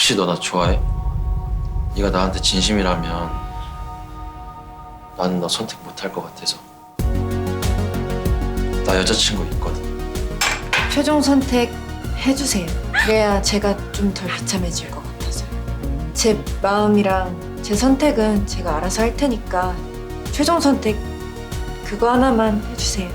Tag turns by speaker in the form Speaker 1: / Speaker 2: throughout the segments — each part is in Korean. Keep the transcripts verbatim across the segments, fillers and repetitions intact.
Speaker 1: 혹시 너 나 좋아해? 네가 나한테 진심이라면 나는 너 선택 못할 것 같아서. 나 여자친구 있거든.
Speaker 2: 최종 선택 해주세요. 그래야 제가 좀 덜 비참해질 것 같아서. 제 마음이랑 제 선택은 제가 알아서 할 테니까 최종 선택 그거 하나만 해주세요.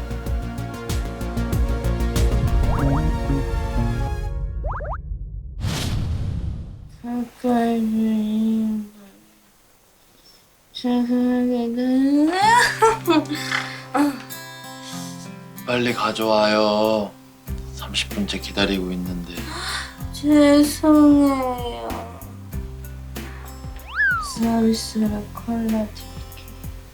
Speaker 1: 빨리 가져와요. 삼십 분째 기다리고 있는데.
Speaker 3: 죄송해요. 서비스로 콜라 드릴게요.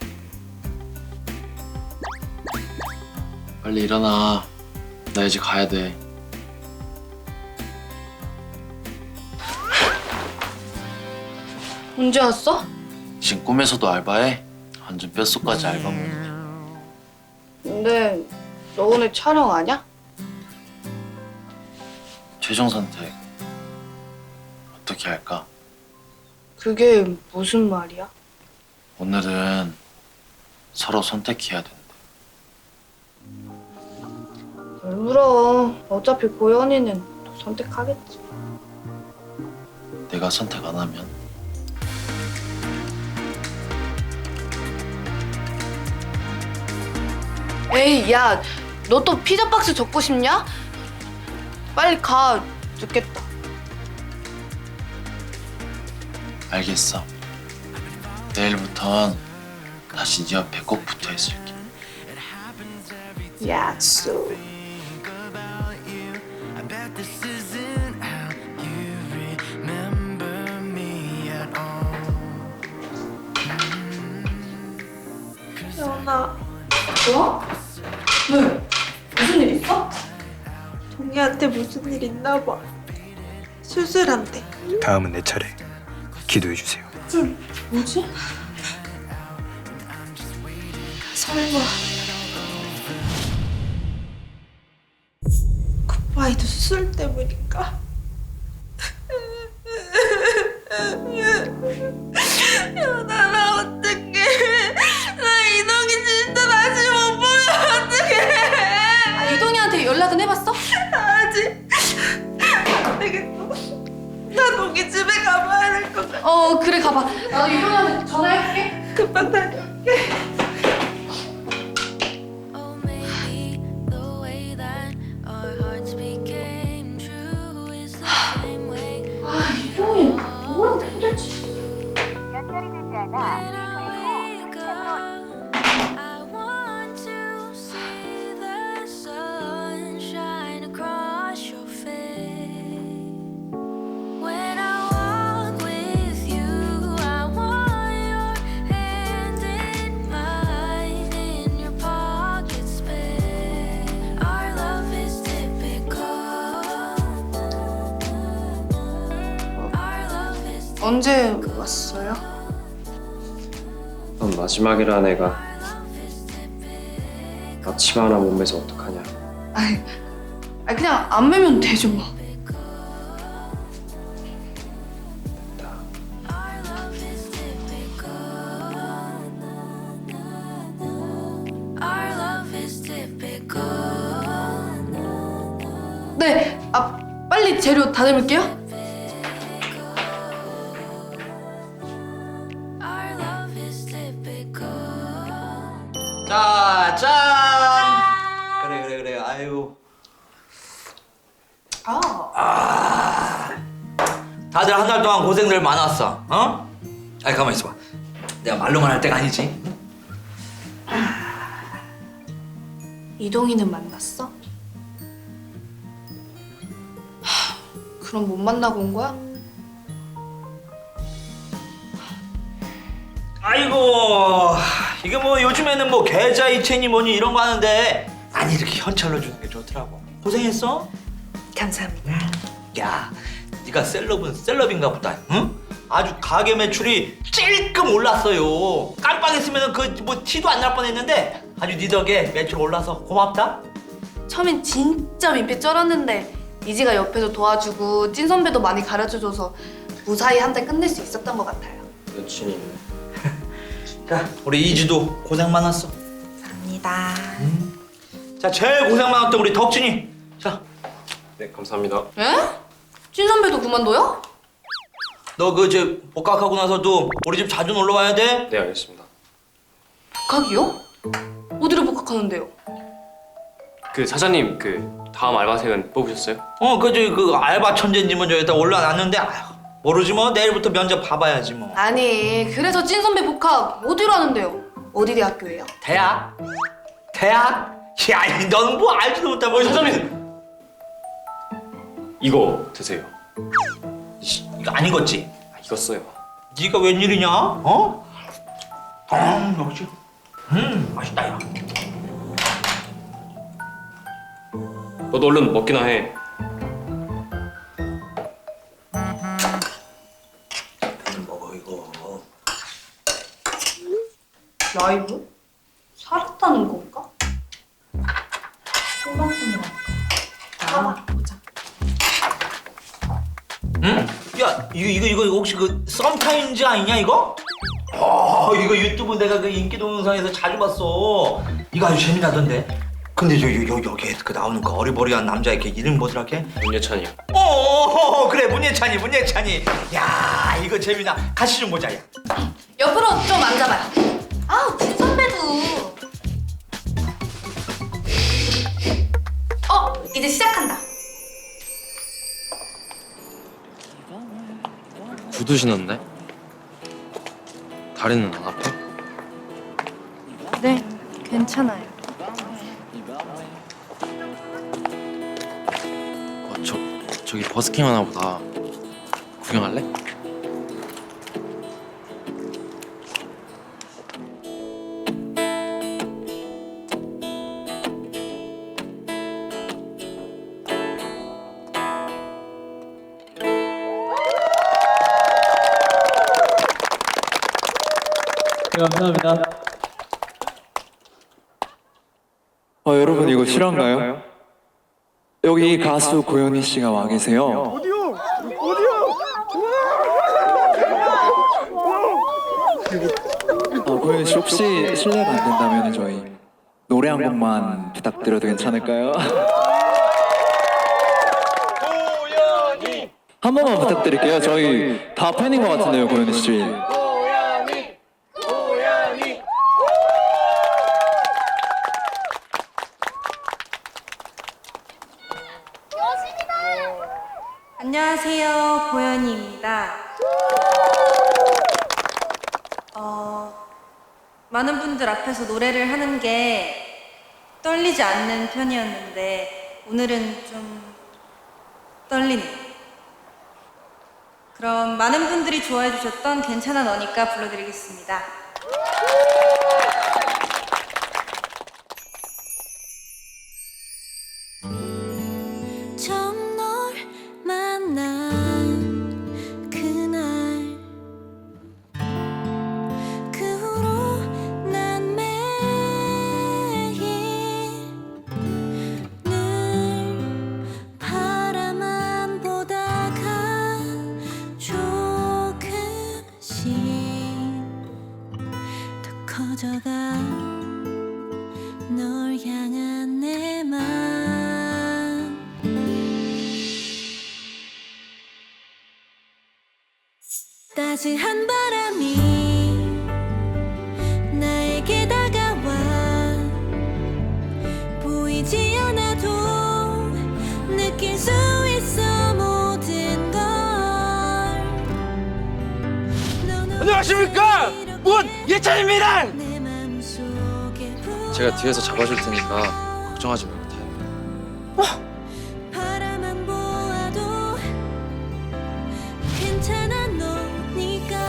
Speaker 1: 빨리 일어나. 나 이제 가야 돼.
Speaker 3: 언제 왔어?
Speaker 1: 지금 꿈에서도 알바해? 완전 뼛속까지 알바몬이야.
Speaker 3: 근데 너 오늘 촬영 아냐?
Speaker 1: 최종 선택 어떻게 할까?
Speaker 3: 그게 무슨 말이야?
Speaker 1: 오늘은 서로 선택해야 된대.
Speaker 3: 왜 울어? 어차피 고현이는 선택하겠지.
Speaker 1: 내가 선택 안 하면?
Speaker 3: 에이, 야, 너 또 피자 박스 접고 싶냐? 빨리 가. 늦겠다.
Speaker 1: 알겠어. 내일부턴 다시 네 옆에 꼭 붙어 있을게.
Speaker 3: 약속.
Speaker 4: 연아,
Speaker 3: 뭐? 왜? 무슨 일 있어?
Speaker 4: 동희한테 무슨 일 있나 봐. 수술한대.
Speaker 5: 다음은 내 차례. 기도해 주세요.
Speaker 3: 뭐지?
Speaker 4: 설마 굿바이도 수술 때문일까? 연아, 나 어떡해. 나 이동이 진짜 다시 못 보면 어떡해.
Speaker 3: 이동이한테 연락은 해봤어?
Speaker 4: 아직 안 되겠어. 나 동희 집에 가봐야 될 것 같아.
Speaker 3: 어, 그래, 가봐. 나도 이동이한테 전화해볼게.
Speaker 4: 금방 다녀올게.
Speaker 6: Oh, maybe the way that our hearts became true is the same way.
Speaker 3: 이동이 뭐랑 힘들지?
Speaker 6: When I wake up, I want to see the sun shine across your face. When I walk with you, I want your hand in mine, in your pocket space. Our love is typical. Our love is
Speaker 3: 언제 왔어요?
Speaker 7: 넌 마지막이라는 애가 나 치마 하나 못 매서 어떡하냐.
Speaker 3: 아이, 아이 그냥 안 매면 되죠 뭐.
Speaker 7: 됐다.
Speaker 6: Our love is typical. Our love is typical.
Speaker 3: 네, 아 빨리 재료 다 넣을게요.
Speaker 6: Our love is typical.
Speaker 8: 자, 짠! 그래, 그래, 그래. 아유. 아. 다들 한 달 동안 고생들 많았어. 어? 아니, 가만히 있어봐. 내가 말로만 할 때가 아니지.
Speaker 3: 이동이는 만났어? 하, 그럼 못 만나고 온 거야?
Speaker 8: 아이고, 이게 뭐 요즘에는 뭐 계좌 이체니 뭐니 이런 거 하는데 아니 이렇게 현찰로 주는 게 좋더라고. 고생했어?
Speaker 2: 감사합니다.
Speaker 8: 야, 네가 셀럽은 셀럽인가 보다. 응? 아주 가게 매출이 찔끔 올랐어요. 깜빡했으면 그 뭐 티도 안 날 뻔했는데 아주 네 덕에 매출 올라서 고맙다.
Speaker 3: 처음엔 진짜 민폐 쩔었는데 이지가 옆에서 도와주고 찐 선배도 많이 가르쳐줘서 무사히 한 달 끝낼 수 있었던 것 같아요.
Speaker 7: 여친이 있네.
Speaker 8: 자, 우리 이지도 고생 많았어.
Speaker 4: 감사합니다.
Speaker 8: 자, 제일 고생 많았던 우리 덕진이. 자,
Speaker 7: 네, 감사합니다.
Speaker 3: 에? 찐 선배도 그만둬요?
Speaker 8: 너 그 저 복학하고 나서도 우리 집 자주 놀러 와야 돼.
Speaker 7: 네, 알겠습니다.
Speaker 3: 복학이요? 어디로 복학하는데요?
Speaker 9: 그 사장님 그 다음 알바생은 뽑으셨어요?
Speaker 8: 어, 그 저 그 알바 천재님은 저기다 올라놨는데 아휴, 모르지 뭐 내일부터 면접 봐봐야지 뭐.
Speaker 3: 아니 그래서 찐 선배 복학 어디로 하는데요? 어디 대학교예요?
Speaker 8: 대학? 대학? 야, 너는 뭐 알지도 못하고.
Speaker 9: 사장님! 이거 드세요.
Speaker 8: 씨, 이거 안 익었지?
Speaker 9: 아, 익었어요.
Speaker 8: 네가 웬일이냐? 어? 아, 역시. 음, 맛있다 야.
Speaker 9: 너도 얼른 먹기나 해.
Speaker 8: 먹어 이거.
Speaker 3: 라이브? 살았다는 건가?
Speaker 8: 응? 야, 이거 이거 이거 혹시 그 썸타임즈 아니냐 이거? 어, 이거 유튜브 내가 그 인기 동영상에서 자주 봤어. 이거 아주 재미나던데. 근데 저 여, 여, 여기에 그 나오는 그 어리버리한 남자 이렇게 이름 뭐더라 걔?
Speaker 9: 문예찬이요.
Speaker 8: 어, 어, 어, 그래 문예찬이 문예찬이. 야, 이거 재미나. 같이 좀 보자 야.
Speaker 3: 옆으로 좀 앉아봐요. 아우 찐 선배도. 어 이제 시작한다.
Speaker 1: 구두 신었네? 다리는 안 아파?
Speaker 2: 네, 괜찮아요.
Speaker 1: 어, 저, 저기 버스킹 하나 보다. 구경할래?
Speaker 10: 감사합니다. 어, 여러분 이거 실화인가요? 여기 가수 고현희 씨가 와 계세요. 어디요? 어디요? 어, 고현희 씨 혹시 실례가 안 된다면 저희 노래 한 곡만 부탁드려도 괜찮을까요? 고현희 한 번만 부탁드릴게요. 저희 다 팬인 것 같은데요, 고현희 씨.
Speaker 4: 안녕하세요, 고현희입니다. 어, 많은 분들 앞에서 노래를 하는 게 떨리지 않는 편이었는데 오늘은 좀 떨리네요. 그럼 많은 분들이 좋아해 주셨던 괜찮아 너니까 불러드리겠습니다.
Speaker 6: 처음 널 만난 그날 그 후로 난 매일 늘 바라만 보다가 조금씩 더 커져가 널 향한 내 맘 따스한 바람이 나에게 다가와 보이지 않아도 느낄 수 있어 모든 걸
Speaker 8: 안녕하십니까? 문예찬입니다.
Speaker 6: 내 맘속에
Speaker 1: 제가 뒤에서 잡아줄 테니까 걱정하지 말고 타요.
Speaker 6: 바라만 보아도 괜찮아 너니까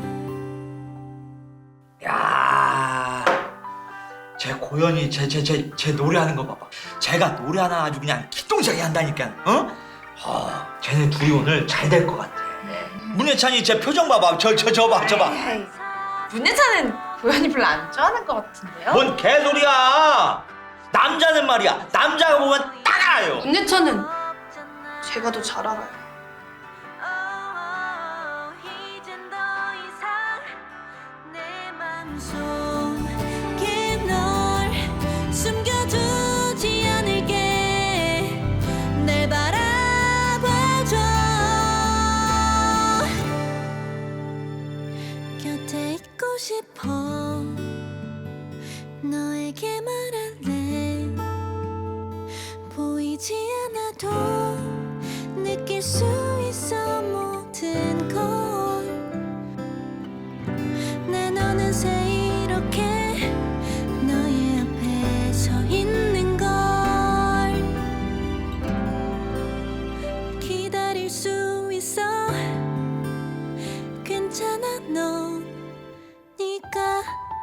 Speaker 8: 야, 제 고현이 제 제 제 제 노래하는 거 봐봐. 제가 노래 하나 아주 그냥 기똥차게 한다니까. 어? 어, 쟤네 둘이 오늘 잘 될 것 같아. 문예찬이 제 표정 봐봐. 저 저 저 봐, 저 봐.
Speaker 4: 문예찬은 고현희 별로 안 좋아하는 것 같은데요?
Speaker 8: 뭔 개소리야. 남자는 말이야. 남자가 보면 딱 알아요.
Speaker 3: 문예찬은 제가 더 잘 알아요.
Speaker 6: 속에 널 숨겨두지 않을게. 날 바라봐줘. 곁에 있고 싶어. 너에게 말할래. 보이지 않아도 느낄 수 있어 모든 걸. 난 어느새 이렇게 너의 앞에 서 있는 걸. 기다릴 수 있어. 괜찮아 너 네가.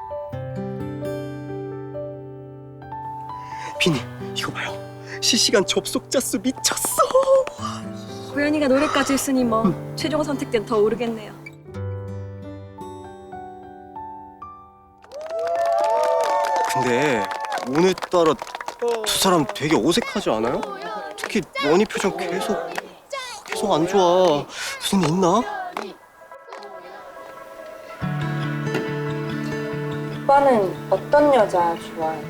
Speaker 11: 비니 이거 봐요. 실시간 접속자 수 미쳤어.
Speaker 12: 고현이가 노래까지 했으니 뭐 최종 선택 때는 더 오르겠네요.
Speaker 11: 근데 오늘따라 두 사람 되게 어색하지 않아요? 특히 원희 표정 계속 계속 안 좋아. 무슨 일 있나?
Speaker 2: 오빠는 어떤 여자 좋아해요?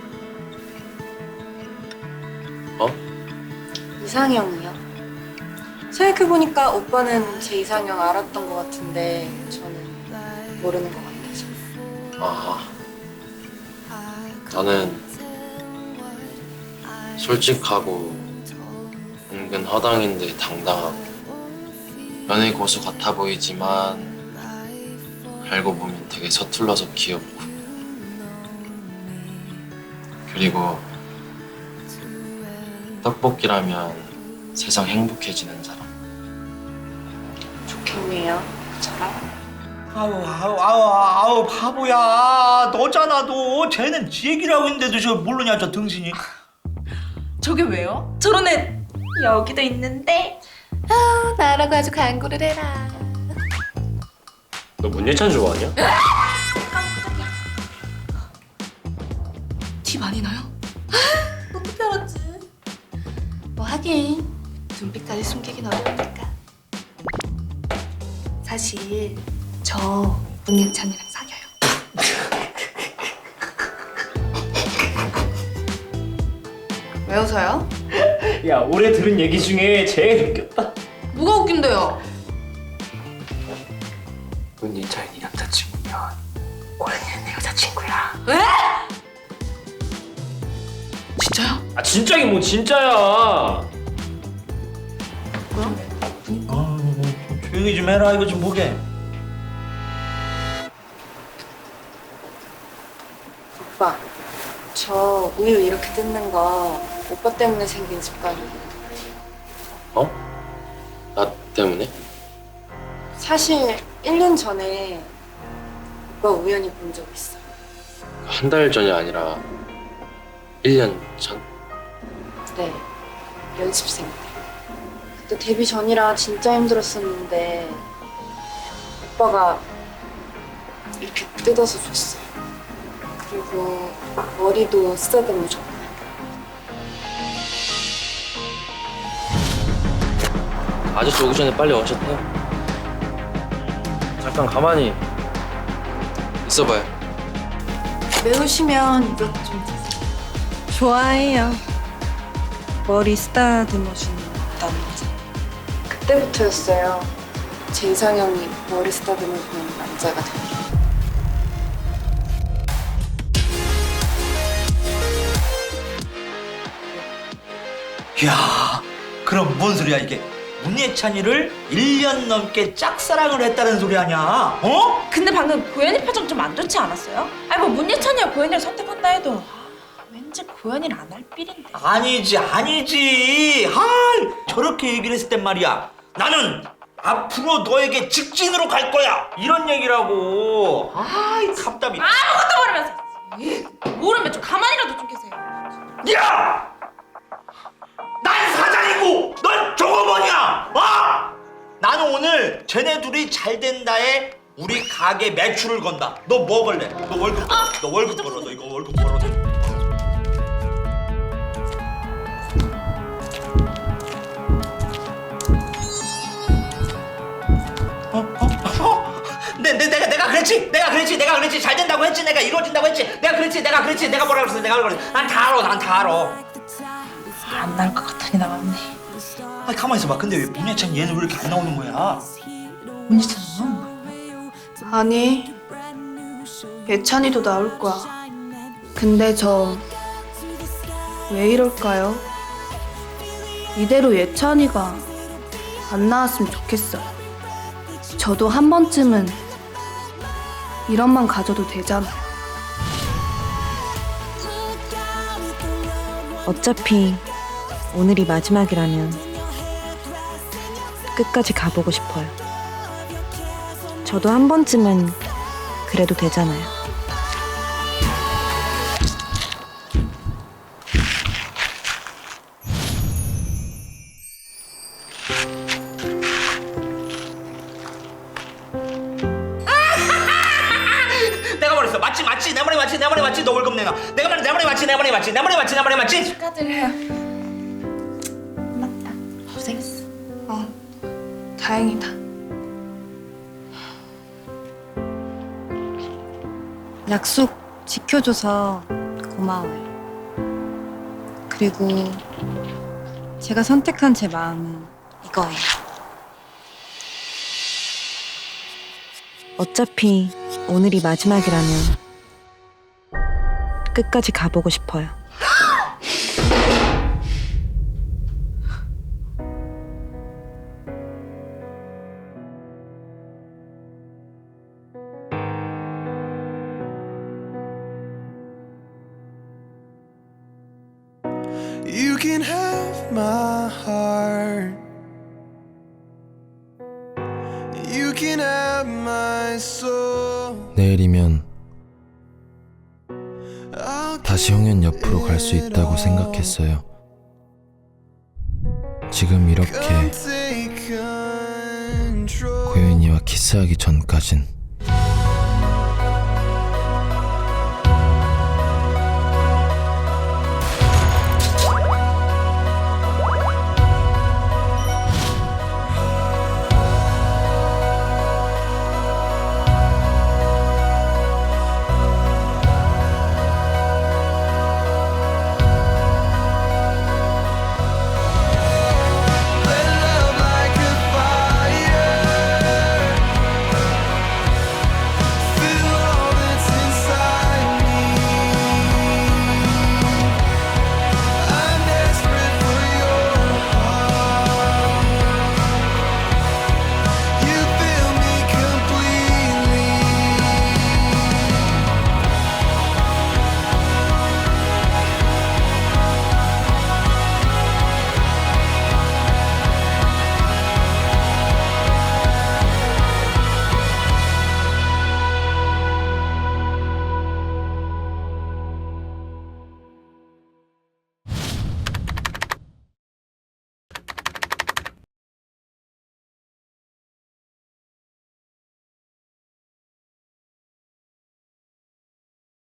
Speaker 1: 어?
Speaker 2: 이상형이요? 생각해보니까 오빠는 제 이상형 알았던 것 같은데 저는 모르는 것 같아서.
Speaker 1: 아, 나는 솔직하고 은근 허당인데 당당하고 연애 고수 같아 보이지만 알고 보면 되게 서툴러서 귀엽고 그리고 떡볶이라면 세상 행복해지는 사람.
Speaker 2: 좋겠네요, 저랑.
Speaker 8: 아우 아우 아우 아우 바보야. 너잖아 너. 쟤는 지 얘기를 하고 있는데도 저 모르냐 저 등신이.
Speaker 4: 저게 왜요? 저런 애 여기도 있는데.
Speaker 3: 아, 나라고 아주 강구를 해라.
Speaker 9: 너 문예찬 좋아하냐?
Speaker 3: 티 많이 나요? 어떻게 알았지? 뭐 하긴 눈빛까지 숨기긴 어려우니까. 사실 저 문예찬이랑 사겨요. 왜 웃어요?
Speaker 9: 야 올해 들은 얘기 중에 제일 웃겼다.
Speaker 3: 뭐가 웃긴데요?
Speaker 9: 문예찬이 남자친구면 고현이는 내 여자친구야.
Speaker 3: 에? 진짜요?
Speaker 9: 아 진짜긴 뭐 진짜야.
Speaker 8: 아, 조용히 좀 해라. 이거 좀 보게.
Speaker 2: 오빠, 저 우유 이렇게 뜯는 거 오빠 때문에 생긴 습관이에요.
Speaker 1: 어? 나 때문에?
Speaker 2: 사실 일 년 전에 오빠 우연히 본 적 있어.
Speaker 1: 한 달 전이 아니라 일 년 전?
Speaker 2: 네, 연습생 때. 그때 데뷔 전이라 진짜 힘들었었는데 오빠가 이렇게 뜯어서 줬어요. 그리고 머리도 쓰다듬어 줬고.
Speaker 1: 아저씨 오기 전에 빨리 원샷 해요. 잠깐 가만히 있어봐요.
Speaker 2: 매우시면 이것 좀 드세요. 좋아해요. 머리 쓰다듬어 주는 남자. 그때부터였어요. 제 이상형이 머리 쓰다듬어 주는 남자가 되는 게.
Speaker 8: 이야, 그럼 뭔 소리야 이게? 문예찬이를 일 년 넘게 짝사랑을 했다는 소리 아니야? 어?
Speaker 4: 근데 방금 고현이 표정 좀 안 좋지 않았어요? 아니 뭐 문예찬이가 고현이를 선택한다 해도 아, 왠지 고현이를 안 할 삘인데.
Speaker 8: 아니지 아니지. 아, 저렇게 얘기를 했을 땐 말이야. 나는 앞으로 너에게 직진으로 갈 거야. 이런 얘기라고. 아이 답답이.
Speaker 4: 아무것도 모르면서. 에이, 모르면 좀 가만히라도 좀 계세요.
Speaker 8: 야! 난 사장이고 넌 종업원이야. 어? 나는 오늘 쟤네 둘이 잘 된다에 우리 가게 매출을 건다. 너 뭐 걸래? 너 월급 벌어. 너 월급 벌어. 너 이거 월급 벌어. 어? 어? 어? 내, 내, 내가 내가 그랬 그랬지 내가 그랬지 내가 그랬지 잘 된다고 했지 내가 이루어진다고 했지 내가 그랬지 내가 그랬지 내가 뭐라 그랬어 내가 그랬지 난 다 알아 난 다 알아.
Speaker 4: 안 나올 것 같더니 나왔네.
Speaker 8: 아니 가만히 있어봐. 근데 왜 문예찬 얘는 왜 이렇게 안 나오는 거야?
Speaker 4: 문예찬 나온 거야?
Speaker 3: 아니, 예찬이도 나올 거야. 근데 저 왜 이럴까요? 이대로 예찬이가 안 나왔으면 좋겠어요. 저도 한 번쯤은 이런 맘 가져도 되잖아요.
Speaker 13: 어차피 오늘이 마지막이라면 끝까지 가보고 싶어요. 저도 한 번쯤은 그래도 되잖아요.
Speaker 8: 내가 말했어. 맞지 맞지 내 말이 맞지 내 말이 맞지 너 월급 내놔. 내가 말해 내 말이 맞지 내 말이 맞지 내 말이 맞지 내 말이 맞지.
Speaker 4: 축하드려요. 맞다. 고생했어.
Speaker 3: 어, 다행이다.
Speaker 2: 약속 지켜줘서 고마워요. 그리고 제가 선택한 제 마음은 이거예요.
Speaker 13: 어차피 오늘이 마지막이라면 끝까지 가보고 싶어요.
Speaker 14: You can have my heart. You can have my soul.
Speaker 1: 내일이면 다시 홍연 옆으로 갈 수 있다고 생각했어요. 지금 이렇게 고현이와 키스하기 전까진